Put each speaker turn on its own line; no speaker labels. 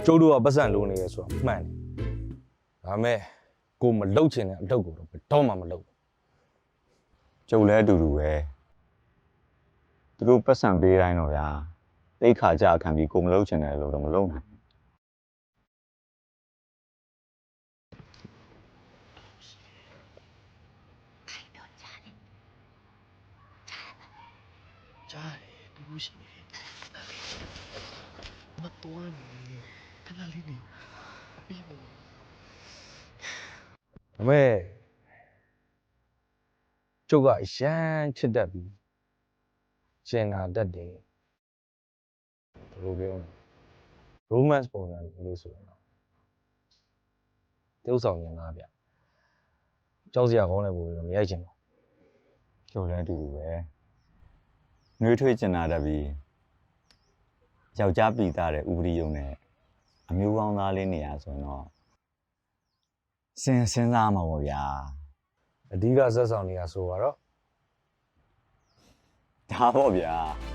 ကျုပ်တို့ကပတ်စံလိုနေရဆိုတာမှန်တယ်ဒါမဲ့ကိုမလှုပ်ချင်တဲ့အလုပ်ကိုတော့ဘယ်တော့မှမလုပ်ဘူး
ကျုပ်လည်းအတူတူပဲသူတို့ပတ်စံပေးတိုင်းတော့ဗျာတိတ်ခါကြခံပြီးကိုမလုပ်ချင်တယ်လို့တော့မလုပ်နိုင်
ကြားတယ်ဘူးရှိနေတယ်မတော်နေခဏလေးနေပြီးပါ
ဒါမဲ့ကျုပ်ကအရန်ချစ်တတ်ပြီးကျင်နာတတ်တယ်ဘယ်လိုပြောလဲ romance ပုံစံလေးဆိုရင်တော့တုပ်ဆောင်ရင်သားဗျကြောက်စရာကောင်းတဲ့ပုံစံမရိုက်ချင်ဘူး
ကျုပ်လည်းအတူတူပဲနှွေးထွေးကျင်နာတတ်ပြီးယောက်ျားပြည်သားတဲ့ဥပဒေယုံနဲ့အမျိုးကောင်းသားလေးနေရဆိုရင်တော့စဉ်းစားမှာပေါ့ဗျာ
အဓိကဇက်ဆောင်နေရဆိုတော့
ဒါပေါ့ဗျာ